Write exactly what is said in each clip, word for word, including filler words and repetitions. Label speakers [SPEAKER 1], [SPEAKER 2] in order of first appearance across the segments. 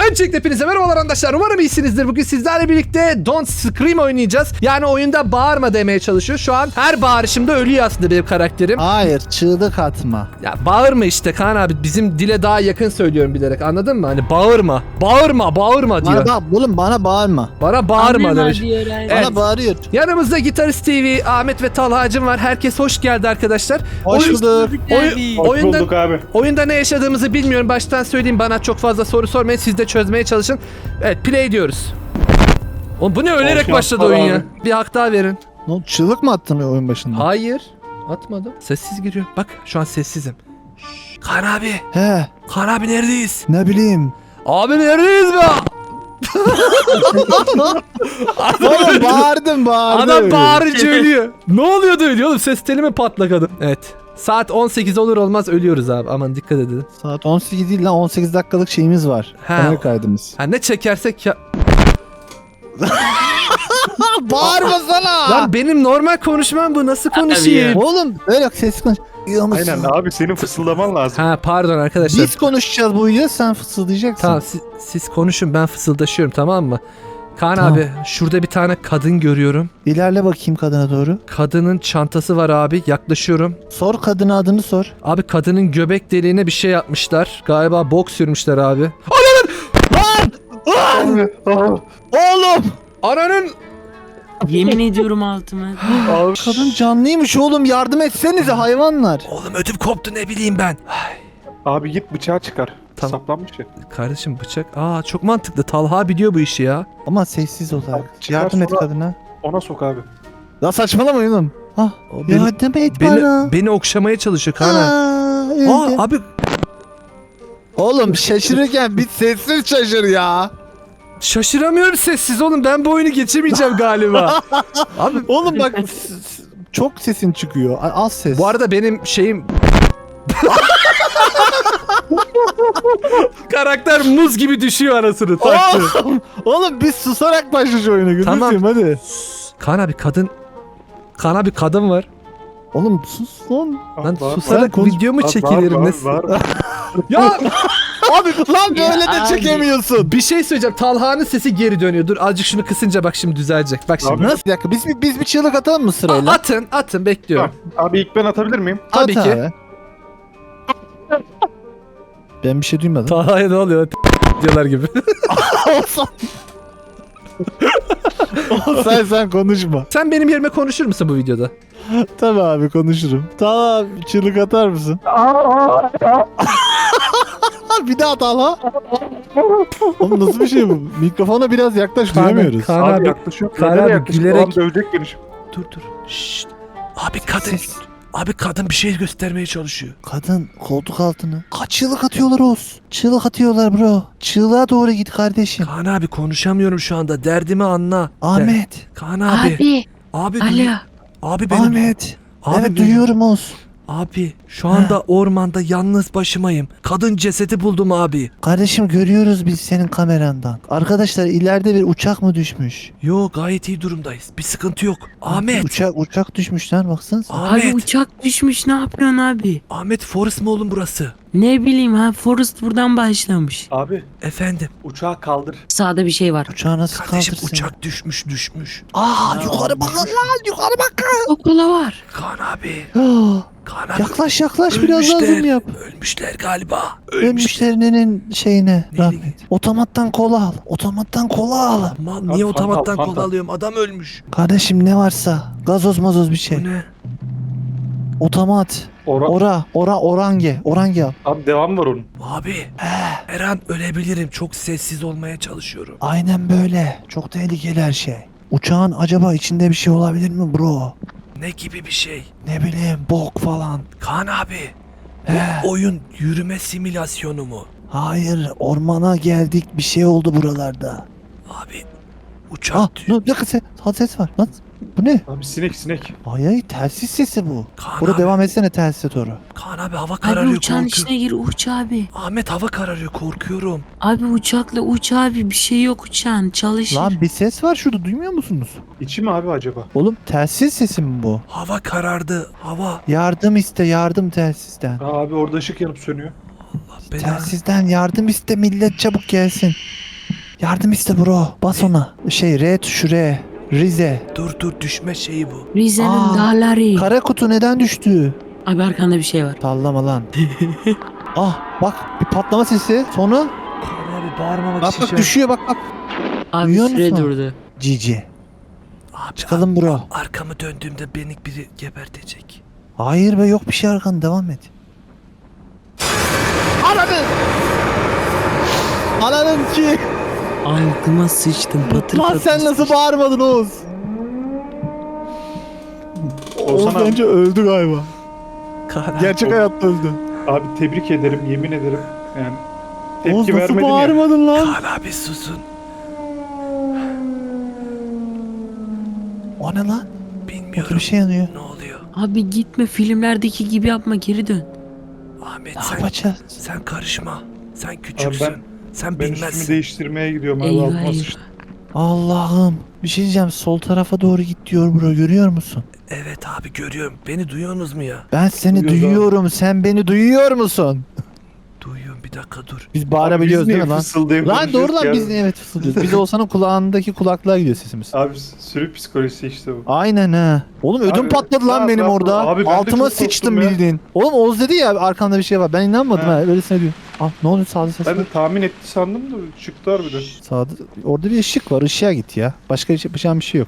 [SPEAKER 1] Öncelikle hepinize merhabalar arkadaşlar. Umarım iyisinizdir. Bugün sizlerle birlikte Don't Scream oynayacağız. Yani oyunda bağırma demeye çalışıyor. Şu an her bağırışımda ölüyor aslında benim karakterim.
[SPEAKER 2] Hayır, çığlık atma.
[SPEAKER 1] Ya bağırma işte Kaan abi. Bizim dile daha yakın söylüyorum bilerek. Anladın mı? Hani bağırma. Bağırma, bağırma diyor.
[SPEAKER 2] Bana bak, oğlum bana bağırma.
[SPEAKER 1] Bana bağırma demiş.
[SPEAKER 2] Bana
[SPEAKER 1] Evet.
[SPEAKER 2] bağırıyor.
[SPEAKER 1] Yanımızda Gitarist T V, Ahmet ve Talhacım var. Herkes hoş geldi arkadaşlar.
[SPEAKER 2] Hoş
[SPEAKER 1] Oyun-
[SPEAKER 2] bulduk.
[SPEAKER 1] Oy-
[SPEAKER 3] Hoş
[SPEAKER 1] oyunda,
[SPEAKER 3] bulduk abi.
[SPEAKER 1] oyunda ne yaşadığımızı bilmiyorum. Baştan söyleyeyim, bana çok fazla soru sormayın. Siz de çözmeye çalışın. Evet, play diyoruz. Oğlum bu ne, ölerek
[SPEAKER 3] Hoş
[SPEAKER 1] başladı
[SPEAKER 3] yapma
[SPEAKER 1] oyun ya.
[SPEAKER 3] abi.
[SPEAKER 1] Bir hak daha verin.
[SPEAKER 2] Ne oldu, çığlık mı attın oyun başında?
[SPEAKER 1] Hayır. Atmadım. Sessiz giriyor. Bak şu an sessizim. Şşş. Kaan abi.
[SPEAKER 2] He,
[SPEAKER 1] Kaan abi neredeyiz?
[SPEAKER 2] ne bileyim.
[SPEAKER 1] Abi neredeyiz be?
[SPEAKER 2] Oğlum bağırdım bağırdım.
[SPEAKER 1] Adam bağırınca ölüyor. Ne oluyordu ölüyor oğlum? Ses teli mi patlakadı? Evet. Saat on sekiz olur olmaz ölüyoruz abi. Aman dikkat edin.
[SPEAKER 2] Saat on sekiz değil lan, on sekiz dakikalık şeyimiz var.
[SPEAKER 1] Ha.
[SPEAKER 2] Kamera kaydımız.
[SPEAKER 1] Ha ne çekersek ya...
[SPEAKER 2] Bağırmasana.
[SPEAKER 1] Lan benim normal konuşmam bu. Nasıl konuşayım?
[SPEAKER 2] Oğlum öyle ses konuş. Duyuyor musun?
[SPEAKER 3] Aynen abi, senin fısıldaman lazım.
[SPEAKER 1] Ha pardon arkadaşlar.
[SPEAKER 2] Biz konuşacağız bu videoda, sen fısıldayacaksın.
[SPEAKER 1] Tamam siz, siz konuşun, ben fısıldaşıyorum, tamam mı? Kaan
[SPEAKER 2] Tamam.
[SPEAKER 1] abi şurada bir tane kadın görüyorum.
[SPEAKER 2] İlerle bakayım kadına doğru.
[SPEAKER 1] Kadının çantası var abi, yaklaşıyorum.
[SPEAKER 2] Sor kadına, adını sor.
[SPEAKER 1] Abi kadının göbek deliğine bir şey yapmışlar. Galiba bok sürmüşler abi.
[SPEAKER 2] Oğlum.
[SPEAKER 1] Ananın...
[SPEAKER 4] Yemin ediyorum altıma.
[SPEAKER 3] Abi,
[SPEAKER 2] Kadın canlıymış oğlum, yardım etsenize hayvanlar.
[SPEAKER 1] Oğlum ödüm koptu, ne bileyim ben. Ay,
[SPEAKER 3] abi git bıçağı çıkar.
[SPEAKER 1] Tamam.
[SPEAKER 3] Saplanmış ya.
[SPEAKER 1] kardeşim bıçak. Aa çok mantıklı. Talha biliyor bu işi ya.
[SPEAKER 2] Ama sessiz olarak.
[SPEAKER 3] Abi, çıkar
[SPEAKER 2] Yardım et
[SPEAKER 3] sonra-
[SPEAKER 2] kadına.
[SPEAKER 3] Ona sok abi.
[SPEAKER 2] La saçmalama oğlum. Ah,
[SPEAKER 1] O beni,
[SPEAKER 2] yardım et bana.
[SPEAKER 1] beni, beni okşamaya çalışıyor Kaan abi.
[SPEAKER 2] Aa, öldüm.
[SPEAKER 1] Aa abi
[SPEAKER 2] Oğlum şaşırırken bir sessiz şaşır ya.
[SPEAKER 1] şaşıramıyorum sessiz oğlum. Ben bu oyunu geçemeyeceğim galiba. Abi
[SPEAKER 2] Oğlum bak s- s- çok sesin çıkıyor. A- Az ses.
[SPEAKER 1] bu arada benim şeyim... Karakter muz gibi düşüyor anasını taktı.
[SPEAKER 2] Oğlum, oğlum biz susarak başlayacağız oyuna. Gözüm
[SPEAKER 1] Tamam.
[SPEAKER 2] seveyim, hadi.
[SPEAKER 1] Kaan abi kadın... Kaan abi kadın var.
[SPEAKER 2] Oğlum sus lan.
[SPEAKER 1] Lan
[SPEAKER 3] Var,
[SPEAKER 1] susarak
[SPEAKER 2] var, konuş-
[SPEAKER 1] video mu
[SPEAKER 3] var,
[SPEAKER 1] çekilir?
[SPEAKER 3] var,
[SPEAKER 1] Ne-
[SPEAKER 3] var, var.
[SPEAKER 1] Ya
[SPEAKER 2] Abi lan böyle
[SPEAKER 4] Ya
[SPEAKER 2] de
[SPEAKER 4] abi.
[SPEAKER 2] çekemiyorsun.
[SPEAKER 1] bir şey söyleyeceğim. Talha'nın sesi geri dönüyor. Dur azıcık şunu kısınca bak şimdi düzelecek. Bak şimdi.
[SPEAKER 3] Abi,
[SPEAKER 2] Nasıl bir dakika, biz, bir- biz bir çığlık atalım mı
[SPEAKER 1] A-
[SPEAKER 2] sırayla?
[SPEAKER 1] atın atın bekliyorum.
[SPEAKER 3] Tamam. Abi ilk ben atabilir miyim?
[SPEAKER 1] Tabii
[SPEAKER 2] At
[SPEAKER 1] ki.
[SPEAKER 2] abi. Ben bir şey duymadım.
[SPEAKER 1] Talha'ya ne oluyor? Diyorlar gibi.
[SPEAKER 2] Olsan. sen sen konuşma.
[SPEAKER 1] Sen benim yerime konuşur musun bu videoda?
[SPEAKER 2] Tamam abi, konuşurum. Tamam, çığlık atar mısın? Bir daha at hala. Oğlum nasıl bir şey bu? Mikrofona biraz yaklaş, duyamıyoruz.
[SPEAKER 1] Kaan
[SPEAKER 3] abi,
[SPEAKER 1] abi,
[SPEAKER 3] yaklaşıyor.
[SPEAKER 1] Kaan
[SPEAKER 3] Nereye
[SPEAKER 1] abi,
[SPEAKER 3] yaklaşıyor?
[SPEAKER 1] gülerek-
[SPEAKER 3] Adam dövecek beni şimdi.
[SPEAKER 1] Dur dur. Şşt. Abi kadın.
[SPEAKER 2] Ses.
[SPEAKER 1] Abi kadın bir şey göstermeye çalışıyor.
[SPEAKER 2] Kadın koltuk altına. Kaç çığlık atıyorlar Oğuz? Çığlık atıyorlar bro. Çığlığa doğru git kardeşim.
[SPEAKER 1] Kaan abi konuşamıyorum şu anda. Derdimi anla.
[SPEAKER 2] Ahmet.
[SPEAKER 1] De- Kaan abi.
[SPEAKER 4] Abi.
[SPEAKER 1] Abi.
[SPEAKER 4] Alo.
[SPEAKER 1] Abi benim.
[SPEAKER 2] Ahmet.
[SPEAKER 1] Abi
[SPEAKER 2] evet
[SPEAKER 1] benim-
[SPEAKER 2] duyuyorum Oğuz.
[SPEAKER 1] Abi şu anda ormanda yalnız başımayım. Kadın cesedi buldum abi.
[SPEAKER 2] Kardeşim görüyoruz biz senin kamerandan. Arkadaşlar ileride bir uçak mı düşmüş?
[SPEAKER 1] Yo gayet iyi durumdayız. Bir sıkıntı yok. Ahmet.
[SPEAKER 2] Uçak uçak düşmüş lan, baksanıza.
[SPEAKER 1] Ahmet.
[SPEAKER 4] Abi uçak düşmüş, ne yapıyorsun abi?
[SPEAKER 1] Ahmet Forest mı oğlum burası?
[SPEAKER 4] Ne bileyim ha, Forrest buradan başlamış.
[SPEAKER 3] Abi
[SPEAKER 1] Efendim.
[SPEAKER 3] uçağı kaldır.
[SPEAKER 4] Sağda bir şey var.
[SPEAKER 2] Uçağı nasıl
[SPEAKER 1] Kardeşim
[SPEAKER 2] kaldırsın?
[SPEAKER 1] uçak düşmüş düşmüş.
[SPEAKER 2] Aa yukarı bakın lan, yukarı bakın.
[SPEAKER 4] Kokola var.
[SPEAKER 1] Kaan abi.
[SPEAKER 2] Ah,
[SPEAKER 1] Kaan abi.
[SPEAKER 2] yaklaş yaklaş, biraz daha
[SPEAKER 1] Ölmüşler.
[SPEAKER 2] zoom yap.
[SPEAKER 1] Ölmüşler galiba. Ölmüşler.
[SPEAKER 2] Ölmüşlerinin şeyine
[SPEAKER 1] Neyle
[SPEAKER 2] rahmet.
[SPEAKER 1] gitti?
[SPEAKER 2] Otomattan kola al. Otomattan kola al.
[SPEAKER 1] Aman
[SPEAKER 3] Abi,
[SPEAKER 1] niye
[SPEAKER 3] fanta,
[SPEAKER 1] otomattan
[SPEAKER 3] fanta.
[SPEAKER 1] kola alıyorum? Adam ölmüş.
[SPEAKER 2] Kardeşim ne varsa gazoz mazoz bir şey.
[SPEAKER 1] Bu ne?
[SPEAKER 2] Otomat.
[SPEAKER 3] Ora
[SPEAKER 2] Ora ora orange. Orange al.
[SPEAKER 3] abi devam var onun.
[SPEAKER 1] Abi. Her an ölebilirim. Çok sessiz olmaya çalışıyorum.
[SPEAKER 2] Aynen böyle. Çok tehlikeli her şey. Uçağın acaba içinde bir şey olabilir mi bro?
[SPEAKER 1] Ne gibi bir şey?
[SPEAKER 2] Ne bileyim, bok falan.
[SPEAKER 1] Kaan abi.
[SPEAKER 2] He.
[SPEAKER 1] Bu oyun yürüme simülasyonu mu?
[SPEAKER 2] Hayır, ormana geldik, bir şey oldu buralarda.
[SPEAKER 1] Abi. Uçak.
[SPEAKER 2] Ah,
[SPEAKER 1] dü-
[SPEAKER 2] ne, bir dakika ses, ha, ses var. Lan, bu ne?
[SPEAKER 3] Abi sinek sinek.
[SPEAKER 2] Ay ay, telsiz sesi bu.
[SPEAKER 1] Kaan
[SPEAKER 2] Burada
[SPEAKER 1] abi.
[SPEAKER 2] devam etsene telsize doğru.
[SPEAKER 1] Kaan abi hava
[SPEAKER 4] Abi
[SPEAKER 1] kararıyor,
[SPEAKER 4] uçağın
[SPEAKER 1] korkuyorum.
[SPEAKER 4] içine gir, uç abi.
[SPEAKER 1] Ahmet hava kararıyor, korkuyorum.
[SPEAKER 4] Abi uçakla uç abi, bir şey yok uçağın, çalışır.
[SPEAKER 2] Lan bir ses var şurada, duymuyor musunuz?
[SPEAKER 3] İçi mi abi acaba?
[SPEAKER 2] Oğlum telsiz sesi mi bu?
[SPEAKER 1] Hava karardı. Hava.
[SPEAKER 2] Yardım iste, yardım telsizden.
[SPEAKER 3] Aa, abi orada ışık yanıp sönüyor.
[SPEAKER 1] Allah belanı.
[SPEAKER 2] Telsizden yardım iste, millet çabuk gelsin. Yardım iste bro. Bas ona. Şey R tuşu R. Rize.
[SPEAKER 1] Dur dur düşme şeyi bu.
[SPEAKER 4] Rize'nin
[SPEAKER 2] Aa,
[SPEAKER 4] dağları.
[SPEAKER 2] Kara kutu neden düştü?
[SPEAKER 4] Abi arkanda bir şey var.
[SPEAKER 2] Sallama lan. Ah bak bir patlama sesi. Sonra
[SPEAKER 1] Kaan abi bağırmamak
[SPEAKER 2] bak
[SPEAKER 1] için
[SPEAKER 2] bak
[SPEAKER 1] şey-
[SPEAKER 2] düşüyor bak bak.
[SPEAKER 4] Abi
[SPEAKER 2] Duyuyor
[SPEAKER 4] süre
[SPEAKER 2] musun?
[SPEAKER 4] durdu.
[SPEAKER 2] Cici.
[SPEAKER 1] Abi,
[SPEAKER 2] Çıkalım bro.
[SPEAKER 1] arkamı döndüğümde beni biri gebertecek.
[SPEAKER 2] Hayır be yok bir şey arkan devam et. Ananı. Ananın ki.
[SPEAKER 4] Altıma sıçtım patır
[SPEAKER 2] Lan
[SPEAKER 4] patır.
[SPEAKER 2] sen nasıl bağırmadın Oğuz? Oğuz
[SPEAKER 3] Oğuzhan abi,
[SPEAKER 2] bence öldü galiba.
[SPEAKER 1] Kaan abi.
[SPEAKER 2] Gerçek hayatta öldü.
[SPEAKER 3] abi tebrik ederim, yemin ederim. Yani tepki
[SPEAKER 2] Oğuz nasıl
[SPEAKER 3] vermedin ya.
[SPEAKER 2] bağırmadın lan?
[SPEAKER 1] Kaan abi susun.
[SPEAKER 2] O ne lan?
[SPEAKER 1] Bilmiyorum.
[SPEAKER 2] Orada bir şey yanıyor.
[SPEAKER 1] Ne oluyor?
[SPEAKER 4] Abi gitme filmlerdeki gibi yapma geri dön.
[SPEAKER 1] Ahmet
[SPEAKER 2] Ne
[SPEAKER 1] sen,
[SPEAKER 2] yapacağız?
[SPEAKER 1] sen karışma. Sen küçüksün.
[SPEAKER 3] Abi ben-
[SPEAKER 1] sen
[SPEAKER 3] Ben üstümü
[SPEAKER 1] bilmezsin.
[SPEAKER 3] değiştirmeye gidiyorum abi.
[SPEAKER 4] Eyvah
[SPEAKER 3] Altıma
[SPEAKER 4] eyvah.
[SPEAKER 3] sıçtım.
[SPEAKER 2] Allah'ım. Bir şey diyeceğim. Sol tarafa doğru git diyor bro. Görüyor musun?
[SPEAKER 1] Evet abi görüyorum. Beni duyuyorsunuz mu ya?
[SPEAKER 2] Ben seni
[SPEAKER 3] Duyuyoruz abi.
[SPEAKER 2] duyuyorum. Sen beni duyuyor musun?
[SPEAKER 1] Duyuyorum bir dakika dur.
[SPEAKER 2] Biz
[SPEAKER 3] Abi
[SPEAKER 2] bağırabiliyoruz
[SPEAKER 3] biz
[SPEAKER 2] değil mi
[SPEAKER 3] niye
[SPEAKER 2] lan?
[SPEAKER 3] fısıldayıp
[SPEAKER 2] Lan doğru
[SPEAKER 3] konuşuyoruz
[SPEAKER 2] lan
[SPEAKER 3] ki
[SPEAKER 2] biz
[SPEAKER 3] abi?
[SPEAKER 2] evet fısıldıyoruz. Biz olsanın kulağındaki kulaklığa gidiyor sesimiz.
[SPEAKER 3] Abi sürü psikolojisi işte bu.
[SPEAKER 2] Aynen ha. Oğlum ödüm
[SPEAKER 3] Abi,
[SPEAKER 2] patladı lan
[SPEAKER 3] rahat
[SPEAKER 2] benim
[SPEAKER 3] rahat
[SPEAKER 2] orada.
[SPEAKER 3] ol. Abi ben de
[SPEAKER 2] Altıma
[SPEAKER 3] çok korktum
[SPEAKER 2] sıçtım
[SPEAKER 3] ya.
[SPEAKER 2] bildiğin. Oğlum Oğuz dedi ya arkamda bir şey var. Ben inanmadım
[SPEAKER 3] Ha.
[SPEAKER 2] ha. Öylesine diyor. Ah ne oluyor sağda ses
[SPEAKER 3] Ben
[SPEAKER 2] var.
[SPEAKER 3] de tahmin etti sandım da çıktı harbiden.
[SPEAKER 2] Sağda orada bir ışık var. Işığa git ya. Başka hiç yapacağım bir şey yok.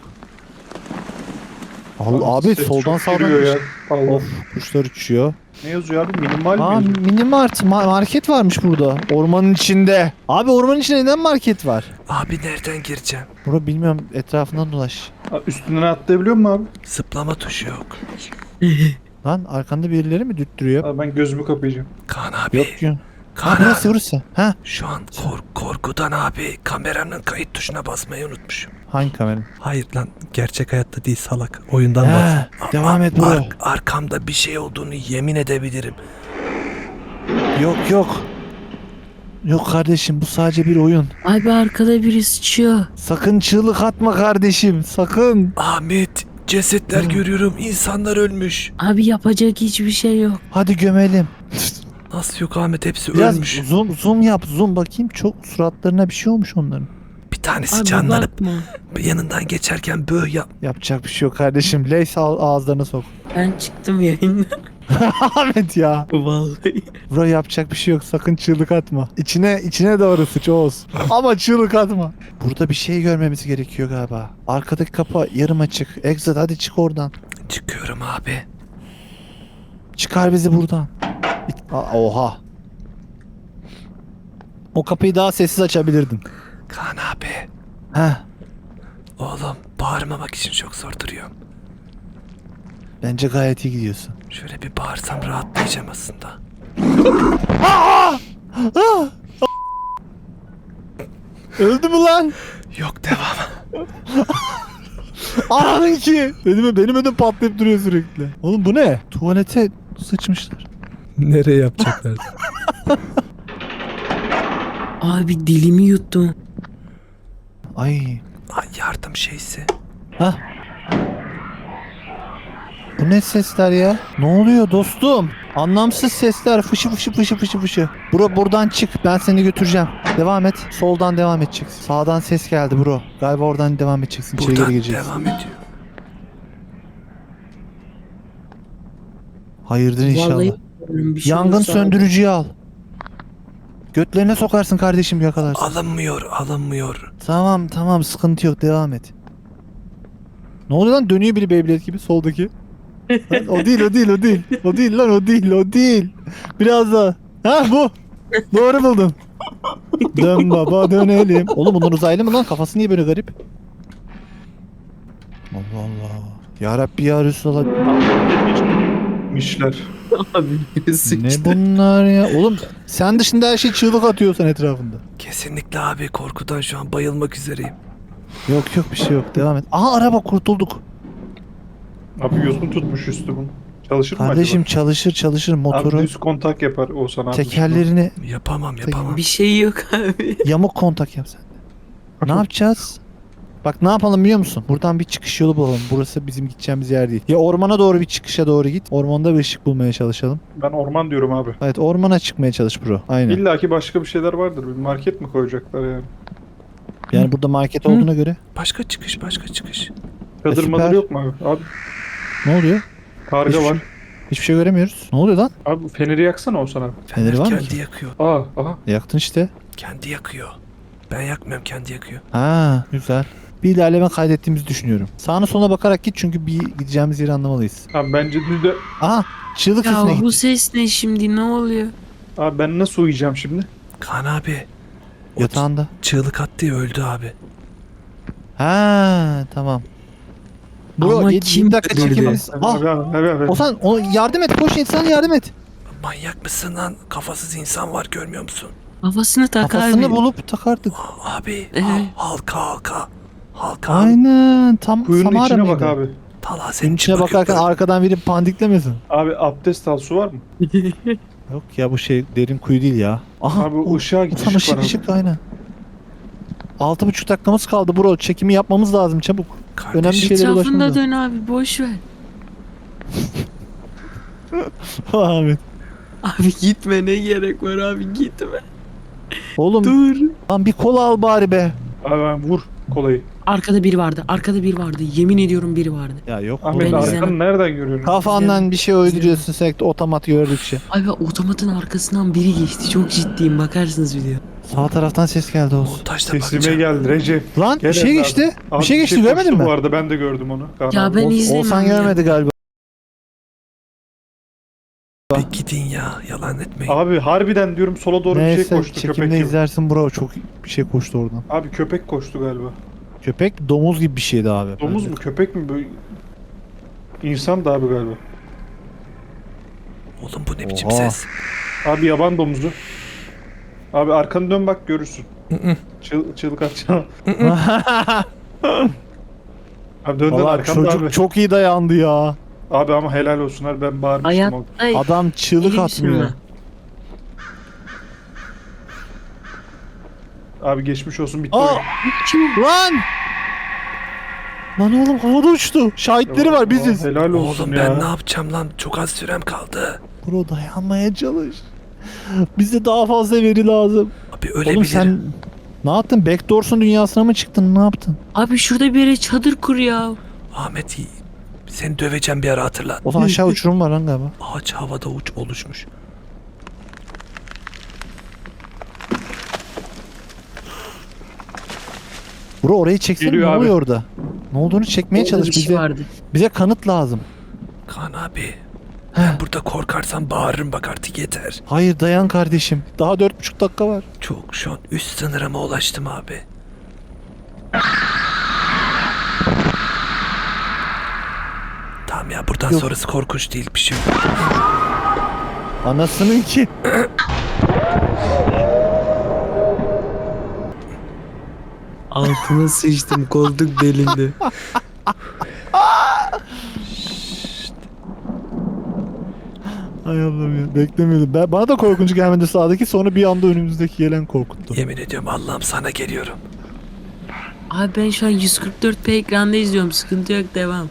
[SPEAKER 2] Allah abi
[SPEAKER 3] ses
[SPEAKER 2] soldan
[SPEAKER 3] çok
[SPEAKER 2] sağdan.
[SPEAKER 3] geliyor ya. Allah.
[SPEAKER 2] Of kuşlar uçuyor.
[SPEAKER 3] Ne yazıyor abi? Minimal mi
[SPEAKER 2] Aa
[SPEAKER 3] yazıyor?
[SPEAKER 2] mini mart ma- market varmış burada. Ormanın içinde. Abi ormanın içinde neden market var?
[SPEAKER 1] Abi nereden gireceğim?
[SPEAKER 2] Bro bilmiyorum etrafından dolaş.
[SPEAKER 3] Aa, üstünden atlayabiliyor musun abi?
[SPEAKER 1] Zıplama tuşu yok.
[SPEAKER 2] Lan arkanda birileri mi düttürüyor?
[SPEAKER 3] Abi ben gözümü kapayacağım.
[SPEAKER 1] Kaan abi.
[SPEAKER 2] Yok diyor. Ha
[SPEAKER 1] Kaan
[SPEAKER 2] burası
[SPEAKER 1] abi.
[SPEAKER 2] burası. Ha
[SPEAKER 1] Şu an kork korkudan abi kameranın kayıt tuşuna basmayı unutmuşum.
[SPEAKER 2] hangi kamera?
[SPEAKER 1] Hayır lan gerçek hayatta değil salak. Oyundan bas.
[SPEAKER 2] Ha, devam et bro.
[SPEAKER 1] Ar- arkamda bir şey olduğunu yemin edebilirim.
[SPEAKER 2] Yok yok. Yok kardeşim bu sadece bir oyun.
[SPEAKER 4] Abi arkada biri sıçıyor.
[SPEAKER 2] Sakın çığlık atma kardeşim. Sakın.
[SPEAKER 1] Ahmet cesetler
[SPEAKER 2] Hı.
[SPEAKER 1] görüyorum. İnsanlar ölmüş.
[SPEAKER 4] Abi yapacak hiçbir şey yok.
[SPEAKER 2] Hadi gömelim.
[SPEAKER 1] Nasıl yok Ahmet hepsi
[SPEAKER 2] Biraz
[SPEAKER 1] ölmüş.
[SPEAKER 2] zoom zoom yap. Zoom bakayım. Çok suratlarına bir şey olmuş onların.
[SPEAKER 1] Bir tanesi
[SPEAKER 4] Abi
[SPEAKER 1] canlanıp
[SPEAKER 4] bakma.
[SPEAKER 1] yanından geçerken böyle yap.
[SPEAKER 2] Yapacak bir şey yok kardeşim. Leys al ağızlarına sok.
[SPEAKER 4] Ben çıktım yayından.
[SPEAKER 2] Ahmet ya.
[SPEAKER 4] Vallahi.
[SPEAKER 2] Bro yapacak bir şey yok. Sakın çığlık atma. İçine içine doğru sıç Oğuz. Ama çığlık atma. Burada bir şey görmemiz gerekiyor galiba. Arkadaki kapı yarım açık. Exit hadi çık oradan.
[SPEAKER 1] Çıkıyorum abi.
[SPEAKER 2] Çıkar bizi buradan. Aa, oha. O kapıyı daha sessiz açabilirdin.
[SPEAKER 1] Kaan abi.
[SPEAKER 2] Heh.
[SPEAKER 1] Oğlum bağırmamak için çok zor duruyorum.
[SPEAKER 2] Bence gayet iyi gidiyorsun.
[SPEAKER 1] Şöyle bir bağırsam rahatlayacağım aslında.
[SPEAKER 2] Öldü mü lan?
[SPEAKER 1] Yok devam.
[SPEAKER 2] Ananın ki. Benim, benim ödüm patlayıp duruyor sürekli. Oğlum bu ne? Tuvalete sıçmışlar.
[SPEAKER 1] Nereye yapacaklar?
[SPEAKER 4] Abi dilimi yuttum.
[SPEAKER 2] Ay.
[SPEAKER 1] Ay yardım şeysi.
[SPEAKER 2] Hah. Bu ne sesler ya? Ne oluyor dostum? Anlamsız sesler. Fışı fışı fışı fışı fışı. Bro buradan çık. Ben seni götüreceğim. Devam et. Soldan devam edeceksin. Sağdan ses geldi bro. Galiba oradan devam edeceksin. İçeri geri
[SPEAKER 1] Buradan
[SPEAKER 2] gireceksin.
[SPEAKER 1] devam ediyor.
[SPEAKER 2] Hayırdır inşallah.
[SPEAKER 4] Vallahi bir şey
[SPEAKER 2] Yangın
[SPEAKER 4] olursa-
[SPEAKER 2] söndürücüyü al. Götlerine sokarsın kardeşim yakalarsın.
[SPEAKER 1] Alınmıyor alınmıyor.
[SPEAKER 2] Tamam tamam sıkıntı yok devam et. Ne oluyor lan dönüyor biri Beyblade gibi soldaki. Lan, o değil o değil o değil. O değil lan o değil o değil. Biraz daha. Ha bu. Doğru buldun. Dön baba dönelim. Oğlum bunlar uzaylı mı lan? Kafası niye böyle garip? Allah Allah. Ya Rabbi ya Resulallah.
[SPEAKER 3] Mişler.
[SPEAKER 4] Abi biri sıçtı.
[SPEAKER 2] Ne bunlar ya? Oğlum sen dışında her şey çığlık atıyorsan etrafında.
[SPEAKER 1] Kesinlikle abi korkudan şu an bayılmak üzereyim.
[SPEAKER 2] Yok yok bir şey yok devam et. Aha araba kurtulduk.
[SPEAKER 3] Abi yosun tutmuş üstü bunu. Çalışır mı
[SPEAKER 2] Kardeşim
[SPEAKER 3] acaba?
[SPEAKER 2] çalışır çalışır
[SPEAKER 3] Abi
[SPEAKER 2] motoru.
[SPEAKER 3] düz kontak yapar Oğuzhan abi.
[SPEAKER 2] Tekerlerini
[SPEAKER 1] Yapamam yapamam.
[SPEAKER 4] Bir şey yok abi.
[SPEAKER 2] yamuk kontak yap sen de. Ne yapacağız? Bak ne yapalım biliyor musun? Buradan bir çıkış yolu bulalım. Burası bizim gideceğimiz yer değil. Ya ormana doğru bir çıkışa doğru git. Ormanda bir ışık bulmaya çalışalım.
[SPEAKER 3] Ben orman diyorum abi.
[SPEAKER 2] Evet ormana çıkmaya çalış bro. Aynen.
[SPEAKER 3] İlla ki başka bir şeyler vardır. Bir market mi koyacaklar yani?
[SPEAKER 2] Yani burada market olduğuna göre.
[SPEAKER 1] Başka çıkış, başka çıkış.
[SPEAKER 3] Çadır
[SPEAKER 2] E,
[SPEAKER 3] madır
[SPEAKER 2] süper.
[SPEAKER 3] yok mu abi? Abi
[SPEAKER 2] Ne oluyor?
[SPEAKER 3] karga
[SPEAKER 2] Hiçbir
[SPEAKER 3] var.
[SPEAKER 2] şey- Hiçbir şey göremiyoruz. Ne oluyor lan?
[SPEAKER 3] Abi feneri yaksana Oğuzhan abi.
[SPEAKER 2] Feneri var mı
[SPEAKER 1] kendi
[SPEAKER 2] ki?
[SPEAKER 1] yakıyor.
[SPEAKER 3] Aa aha.
[SPEAKER 2] Yaktın işte.
[SPEAKER 1] Kendi yakıyor. Ben yakmıyorum, kendi yakıyor.
[SPEAKER 2] Ha güzel. Bir ilerleme kaydettiğimizi düşünüyorum. Sağına soluna bakarak git çünkü bir gideceğimiz yeri anlamalıyız.
[SPEAKER 3] Abi bence düzde...
[SPEAKER 2] Aha çığlık
[SPEAKER 4] Ya
[SPEAKER 2] sesine
[SPEAKER 4] bu
[SPEAKER 2] git.
[SPEAKER 4] ses ne şimdi, ne oluyor?
[SPEAKER 3] Abi ben nasıl uyuyacağım şimdi?
[SPEAKER 1] Kaan abi. O
[SPEAKER 2] Yatağında.
[SPEAKER 1] çığlık attı ya, öldü abi.
[SPEAKER 2] Ha tamam. Bro
[SPEAKER 4] Ama
[SPEAKER 2] yedi-
[SPEAKER 4] kim
[SPEAKER 2] yirmi dakika
[SPEAKER 4] öldürdü?
[SPEAKER 2] çekimimiz. Ah
[SPEAKER 3] Abi abi abi. abi.
[SPEAKER 2] Ozan o yardım et koş insan yardım et.
[SPEAKER 1] Manyak mısın lan? Kafasız insan var, görmüyor musun?
[SPEAKER 4] Kafasını tak
[SPEAKER 2] Kafasını
[SPEAKER 4] abi.
[SPEAKER 2] bulup takardık.
[SPEAKER 1] Aa, Abi
[SPEAKER 4] Evet.
[SPEAKER 1] hal- halka halka. Halka.
[SPEAKER 2] Aynen tam
[SPEAKER 3] Kuyunun
[SPEAKER 2] Samara
[SPEAKER 3] içine
[SPEAKER 2] mıydı?
[SPEAKER 3] bak abi.
[SPEAKER 1] Talha
[SPEAKER 2] Senin
[SPEAKER 1] senin
[SPEAKER 2] içine
[SPEAKER 1] için
[SPEAKER 2] bakarken
[SPEAKER 1] bakıyorum.
[SPEAKER 2] arkadan biri pandiklemesin.
[SPEAKER 3] Abi abdest al, su var mı?
[SPEAKER 2] Yok ya bu şey derin kuyu değil ya. Aha
[SPEAKER 3] Abi
[SPEAKER 2] o-
[SPEAKER 3] ışığa git,
[SPEAKER 2] tam
[SPEAKER 3] ışık
[SPEAKER 2] ışık
[SPEAKER 3] var abi.
[SPEAKER 2] ışık aynen. Altı buçuk dakikamız kaldı bro. Çekimi yapmamız lazım çabuk.
[SPEAKER 1] Kardeşim,
[SPEAKER 2] önemli şey- şeylere
[SPEAKER 4] Etrafında
[SPEAKER 2] ulaşmamız
[SPEAKER 4] dön abi, boş ver.
[SPEAKER 2] Ahmet.
[SPEAKER 4] Abi gitme, ne gerek var abi, gitme.
[SPEAKER 2] Oğlum
[SPEAKER 4] Dur.
[SPEAKER 2] lan bir kola al bari be.
[SPEAKER 3] Abi ben vur kolayı.
[SPEAKER 4] Arkada biri vardı, arkada biri vardı. Yemin ediyorum biri vardı.
[SPEAKER 2] Ya yok.
[SPEAKER 3] Ahmet
[SPEAKER 4] Ben
[SPEAKER 2] oğlum.
[SPEAKER 4] izlemem.
[SPEAKER 3] arkanı nereden görüyorsun?
[SPEAKER 2] Kafandan bir şey uyduruyorsun sürekli otomat gördükçe.
[SPEAKER 4] Abi otomatın arkasından biri geçti. Çok ciddiyim, bakarsınız video.
[SPEAKER 2] Sağ taraftan ses geldi olsun.
[SPEAKER 1] montajda
[SPEAKER 3] Sesime
[SPEAKER 1] bakacağım.
[SPEAKER 3] geldi Recep.
[SPEAKER 2] Lan
[SPEAKER 3] Gel
[SPEAKER 2] bir şey
[SPEAKER 3] evladım.
[SPEAKER 2] geçti.
[SPEAKER 3] Abi
[SPEAKER 2] bir şey geçti görmedin
[SPEAKER 3] koştu
[SPEAKER 2] mi?
[SPEAKER 3] Bu arada ben de gördüm onu. Kaan
[SPEAKER 4] Ya
[SPEAKER 3] abi.
[SPEAKER 4] ben
[SPEAKER 2] Ol-
[SPEAKER 4] izlemem
[SPEAKER 2] Olsan
[SPEAKER 4] ya.
[SPEAKER 2] görmedi galiba.
[SPEAKER 1] Bir gidin ya, yalan etmeyin.
[SPEAKER 3] Abi harbiden diyorum sola doğru bir şey
[SPEAKER 2] Neyse
[SPEAKER 3] koştu köpek
[SPEAKER 2] çekimde
[SPEAKER 3] gibi.
[SPEAKER 2] izlersin bro çok bir şey koştu oradan.
[SPEAKER 3] Abi köpek koştu galiba.
[SPEAKER 2] Köpek domuz gibi bir şeydi abi.
[SPEAKER 3] Domuz
[SPEAKER 2] Böyle.
[SPEAKER 3] mu köpek mi böyle? İnsan da abi galiba.
[SPEAKER 1] Oğlum bu ne biçim
[SPEAKER 2] Oha.
[SPEAKER 1] ses?
[SPEAKER 3] Abi yaban domuzu. Abi arkanı dön bak görürsün.
[SPEAKER 1] Hı-hı.
[SPEAKER 3] Çıl, çığlık atacağım. Abi dön dön
[SPEAKER 2] Valla
[SPEAKER 3] arkamda
[SPEAKER 2] çocuk
[SPEAKER 3] abi.
[SPEAKER 2] çok iyi dayandı ya.
[SPEAKER 3] Abi ama helal olsun abi ben bağırmıştım. abi.
[SPEAKER 4] Hayatta
[SPEAKER 2] Adam çığlık
[SPEAKER 4] Elim
[SPEAKER 2] atmıyor.
[SPEAKER 4] sürme.
[SPEAKER 3] Abi geçmiş olsun bitti
[SPEAKER 2] Aa!
[SPEAKER 3] oyun.
[SPEAKER 4] Kim?
[SPEAKER 2] Lan! Lan oğlum havada uçtu. Şahitleri var biziz.
[SPEAKER 3] Aa, helal olsun
[SPEAKER 1] Oğlum
[SPEAKER 3] ya.
[SPEAKER 1] ben ne yapacağım lan? Çok az sürem kaldı.
[SPEAKER 2] Bro dayanmaya çalış. Bize daha fazla veri lazım.
[SPEAKER 1] Abi
[SPEAKER 2] Oğlum
[SPEAKER 1] ölebilirim.
[SPEAKER 2] sen ne yaptın? Backdoors'un dünyasına mı çıktın? Ne yaptın?
[SPEAKER 4] Abi şurada bir yere çadır kur ya.
[SPEAKER 1] Ahmet, seni döveceğim bir ara, hatırlat.
[SPEAKER 2] O zaman aşağı uçurum var lan galiba.
[SPEAKER 1] Ağaç havada uç oluşmuş.
[SPEAKER 2] Bro orayı çeksene ne
[SPEAKER 3] Geliyor abi.
[SPEAKER 2] oluyor orada? Ne olduğunu çekmeye
[SPEAKER 4] Orada
[SPEAKER 2] çalış
[SPEAKER 4] bir şey
[SPEAKER 2] bize.
[SPEAKER 4] vardı.
[SPEAKER 2] Bize kanıt lazım.
[SPEAKER 1] Kaan abi. Ben burada korkarsam bağırırım bak, artık yeter.
[SPEAKER 2] Hayır dayan kardeşim. Daha dört buçuk dakika var.
[SPEAKER 1] Çok şu an üst sınırıma ulaştım abi. Tamam ya, buradan
[SPEAKER 2] Yok.
[SPEAKER 1] sonrası korkunç değil, bir şey yok.
[SPEAKER 2] Anasının ki.
[SPEAKER 4] Altına sıçtım, koltuk delindi.
[SPEAKER 2] Ay Allah'ım ya beklemiyordum. Ben, bana da korkunç gelmedi sağdaki sonra bir anda önümüzdeki gelen korkuttu.
[SPEAKER 1] Yemin ediyorum Allah'ım, sana geliyorum.
[SPEAKER 4] Abi ben şu an yüz kırk dört p ekranda izliyorum, sıkıntı yok, devam.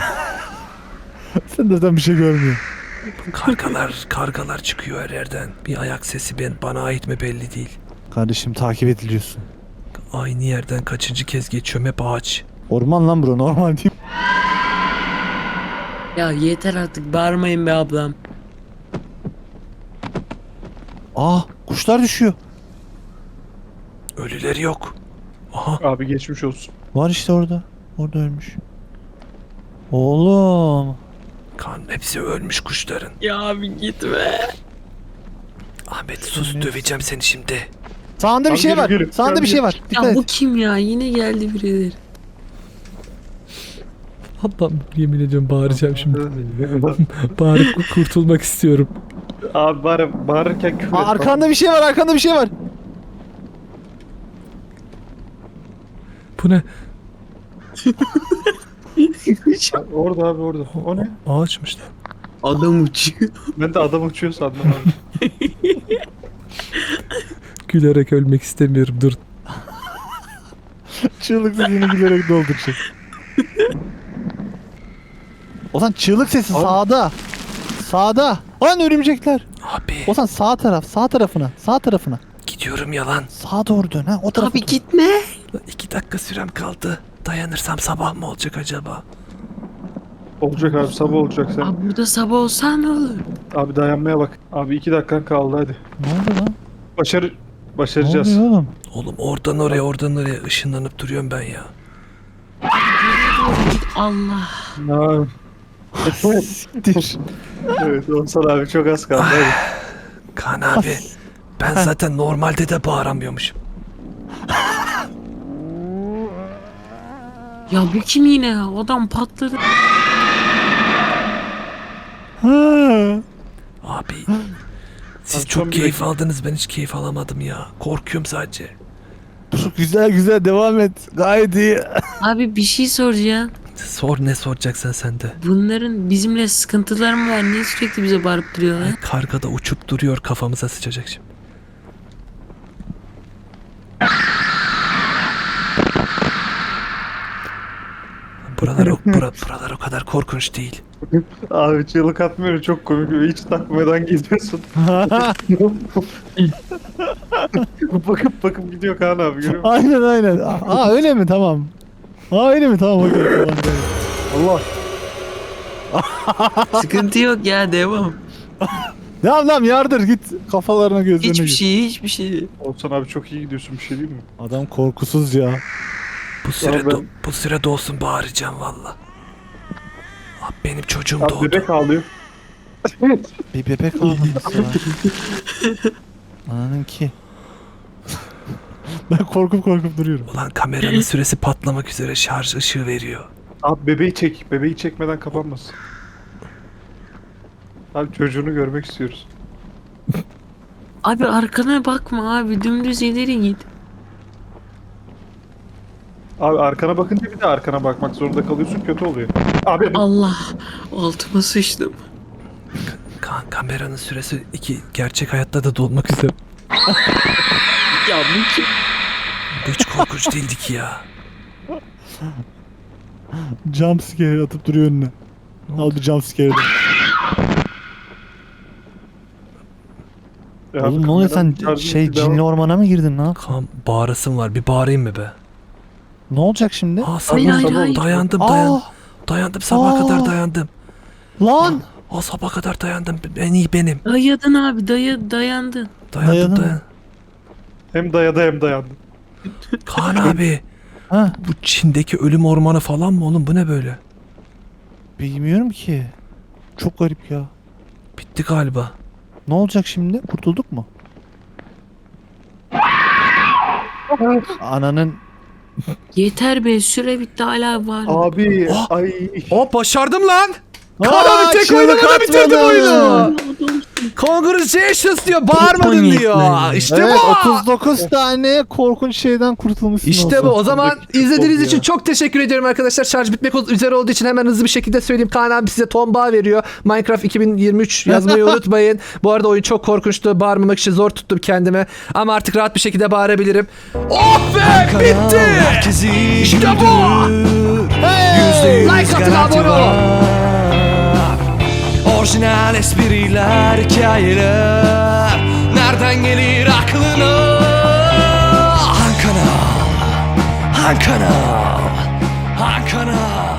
[SPEAKER 2] Sen zaten bir şey görmüyorsun.
[SPEAKER 1] Kargalar, kargalar çıkıyor her yerden. Bir ayak sesi ben, bana ait mi belli değil.
[SPEAKER 2] Kardeşim takip ediliyorsun.
[SPEAKER 1] Aynı yerden kaçıncı kez geçiyorum, hep ağaç.
[SPEAKER 2] Orman lan bro normal değil.
[SPEAKER 4] Ya yeter artık, bağırmayın be ablam.
[SPEAKER 2] Aa kuşlar düşüyor.
[SPEAKER 1] Ölüleri yok. Aha,
[SPEAKER 3] Abi geçmiş olsun.
[SPEAKER 2] Var işte orada. Orada ölmüş. Oğlum.
[SPEAKER 1] kan hepsi ölmüş kuşların.
[SPEAKER 4] Ya abi gitme.
[SPEAKER 1] Ahmet sus,
[SPEAKER 2] Evet.
[SPEAKER 1] döveceğim seni şimdi.
[SPEAKER 2] Sağında bir
[SPEAKER 3] Abi
[SPEAKER 2] şey
[SPEAKER 3] gelin,
[SPEAKER 2] var.
[SPEAKER 3] gelin.
[SPEAKER 2] Sağında
[SPEAKER 3] Gel,
[SPEAKER 2] bir şey
[SPEAKER 3] gel.
[SPEAKER 2] var. Dikkat
[SPEAKER 4] Ya bu
[SPEAKER 2] et.
[SPEAKER 4] kim ya? Yine geldi birileri.
[SPEAKER 1] Allah'ım, yemin ediyorum bağıracağım şimdi. Bağırıp kurtulmak istiyorum.
[SPEAKER 3] Abi bağır, bağırırken küfür
[SPEAKER 2] Aa,
[SPEAKER 3] et.
[SPEAKER 2] arkanda bir şey var. Arkanda bir şey var.
[SPEAKER 1] Bu ne?
[SPEAKER 3] Abi, Orada abi orada. O ne?
[SPEAKER 1] Ağaçmış lan.
[SPEAKER 4] Adam uçuyor.
[SPEAKER 3] Ben de adam uçuyor sandım abi.
[SPEAKER 1] Gülerek ölmek istemiyorum, dur.
[SPEAKER 2] Çığlık sesini gülerek dolduracak. Ozan çığlık sesi
[SPEAKER 3] Abi.
[SPEAKER 2] sağda. Sağda. Lan örümcekler.
[SPEAKER 1] Abi
[SPEAKER 2] Ozan sağ taraf, sağ tarafına, sağ tarafına.
[SPEAKER 1] gidiyorum yalan.
[SPEAKER 2] Sağa doğru dön ha, o tarafa.
[SPEAKER 4] Abi
[SPEAKER 2] dön.
[SPEAKER 4] gitme.
[SPEAKER 1] İki dakika sürem kaldı. Dayanırsam sabah mı olacak acaba?
[SPEAKER 3] Olacak abi, sabah olacak sen.
[SPEAKER 4] Abi burada sabah olsa ne olur?
[SPEAKER 3] Abi dayanmaya bak. Abi iki dakikan kaldı hadi.
[SPEAKER 2] Ne oldu lan?
[SPEAKER 3] Başarı...
[SPEAKER 2] Ne
[SPEAKER 3] Başaracağız.
[SPEAKER 2] oluyor oğlum?
[SPEAKER 1] Oğlum oradan oraya oradan oraya ışınlanıp duruyorum ben ya.
[SPEAKER 4] Allah.
[SPEAKER 3] Ha,
[SPEAKER 2] Siktir.
[SPEAKER 3] evet Oğuzhan abi çok az kaldı hadi.
[SPEAKER 1] Kaan abi ben zaten normalde de bağıramıyormuşum.
[SPEAKER 4] Ya bu kim yine ya? Adam patladı.
[SPEAKER 2] Ha.
[SPEAKER 1] Abi siz
[SPEAKER 3] Abi,
[SPEAKER 1] çok
[SPEAKER 3] son bir
[SPEAKER 1] keyif
[SPEAKER 3] dakika.
[SPEAKER 1] aldınız, ben hiç keyif alamadım ya. Korkuyorum sadece.
[SPEAKER 2] Güzel güzel devam et. Gayet iyi.
[SPEAKER 4] Abi bir şey soracağım.
[SPEAKER 1] Sor, ne soracaksan sen de.
[SPEAKER 4] Bunların bizimle sıkıntıları mı var? Niye sürekli bize bağırıp duruyorlar?
[SPEAKER 1] Karga da uçup duruyor, kafamıza sıçacak şimdi. Buralar o, bura, buralar o kadar korkunç değil.
[SPEAKER 3] Abi çığlık atmıyorum, çok komik. Hiç takmadan gidiyorsun. bakıp bakıp gidiyor Kaan abi, görüyor musun?
[SPEAKER 2] Aynen aynen. Aa öyle mi? Tamam. Aa öyle mi? Tamam okey. Tamam, tamam.
[SPEAKER 3] Allah.
[SPEAKER 4] Sıkıntı yok ya, devam.
[SPEAKER 2] Devam devam yardır git. Kafalarına gözlerine
[SPEAKER 4] Hiçbir
[SPEAKER 2] git.
[SPEAKER 4] şey, hiçbir şey.
[SPEAKER 3] Oğuzhan abi çok iyi gidiyorsun, bir şey değil mi?
[SPEAKER 2] Adam korkusuz ya.
[SPEAKER 1] Bu süre
[SPEAKER 3] ben-
[SPEAKER 1] do- bu süre dolsun bağıracağım valla. Abi benim çocuğum
[SPEAKER 3] Abi
[SPEAKER 1] doğdu.
[SPEAKER 3] bebek ağlıyor.
[SPEAKER 2] Bir bebek ağlaması var. Ananın ki. Ben korkup korkup duruyorum.
[SPEAKER 1] Ulan kameranın süresi patlamak üzere, şarj ışığı veriyor.
[SPEAKER 3] Abi bebeği çek. Bebeği çekmeden kapanmasın. Abi çocuğunu görmek istiyoruz.
[SPEAKER 4] Abi arkana bakma abi, dümdüz ileri git.
[SPEAKER 3] Abi arkana bakınca bir de arkana bakmak zorunda kalıyorsun, kötü oluyor. Abi
[SPEAKER 4] Allah, altıma sıçtım.
[SPEAKER 1] Kan kameranın süresi iki, gerçek hayatta da dolmak üzere.
[SPEAKER 4] Ya bu kim?
[SPEAKER 1] Bu hiç korkunç değildi ki ya.
[SPEAKER 2] Jump scare atıp duruyor önüne. Al bir jump scare'ı.
[SPEAKER 3] Ya
[SPEAKER 2] Oğlum
[SPEAKER 3] abi
[SPEAKER 2] ne oluyor sen
[SPEAKER 3] kameranın şarjı
[SPEAKER 2] şey
[SPEAKER 3] bitti, devam.
[SPEAKER 2] cinli ormana mı girdin lan?
[SPEAKER 1] Kan bağırasım var, bir bağırayım mı be?
[SPEAKER 2] Ne olacak şimdi?
[SPEAKER 1] Aa
[SPEAKER 4] Hayır,
[SPEAKER 1] sabah
[SPEAKER 4] hayır,
[SPEAKER 1] sabah
[SPEAKER 4] hayır.
[SPEAKER 1] dayandım dayan.
[SPEAKER 2] Aa,
[SPEAKER 1] Dayandım sabaha
[SPEAKER 2] Aa.
[SPEAKER 1] kadar dayandım.
[SPEAKER 2] lan!
[SPEAKER 1] O sabaha kadar dayandım. En iyi benim.
[SPEAKER 4] Dayadın abi, daya, dayandın.
[SPEAKER 1] Dayandım
[SPEAKER 2] Dayadın mı?
[SPEAKER 1] dayan.
[SPEAKER 3] Hem dayadı hem dayandı.
[SPEAKER 1] Kaan abi
[SPEAKER 2] Ha,
[SPEAKER 1] bu Çin'deki ölüm ormanı falan mı oğlum, bu ne böyle?
[SPEAKER 2] bilmiyorum ki. Çok garip ya.
[SPEAKER 1] Bitti galiba.
[SPEAKER 2] Ne olacak şimdi? Kurtulduk mu? Ananın
[SPEAKER 4] Yeter be, süre bitti hala var.
[SPEAKER 3] Abi
[SPEAKER 1] Oh.
[SPEAKER 3] ay.
[SPEAKER 1] Oh başardım lan. Kaan
[SPEAKER 2] Aa,
[SPEAKER 1] abi tek
[SPEAKER 2] çığlık
[SPEAKER 1] oynamada bitirdim
[SPEAKER 2] atmadı.
[SPEAKER 1] oyunu. Congratulations diyor, bağırmadın
[SPEAKER 4] Çok
[SPEAKER 1] diyor.
[SPEAKER 4] komikler.
[SPEAKER 1] İşte
[SPEAKER 2] evet,
[SPEAKER 1] bu.
[SPEAKER 2] otuz dokuz tane korkunç şeyden kurtulmuşsun.
[SPEAKER 1] İşte bu.
[SPEAKER 2] olsa.
[SPEAKER 1] O zaman
[SPEAKER 3] Sondaki
[SPEAKER 1] izlediğiniz
[SPEAKER 3] oldu
[SPEAKER 1] için
[SPEAKER 3] ya.
[SPEAKER 1] çok teşekkür ediyorum arkadaşlar. Şarj bitmek üzere olduğu için hemen hızlı bir şekilde söyleyeyim. Kaan abi size ton bağ veriyor. Minecraft iki bin yirmi üç yazmayı unutmayın. Bu arada oyun çok korkunçtu. Bağırmamak için zor tuttum kendime. Ama artık rahat bir şekilde bağırabilirim. Oh be! Bitti! İşte bu!
[SPEAKER 2] Hey!
[SPEAKER 1] Like atın, abone olun.
[SPEAKER 5] Orijinal espriler, hikayeler nereden gelir aklına? Han kanal, Han kanal, Han kanal.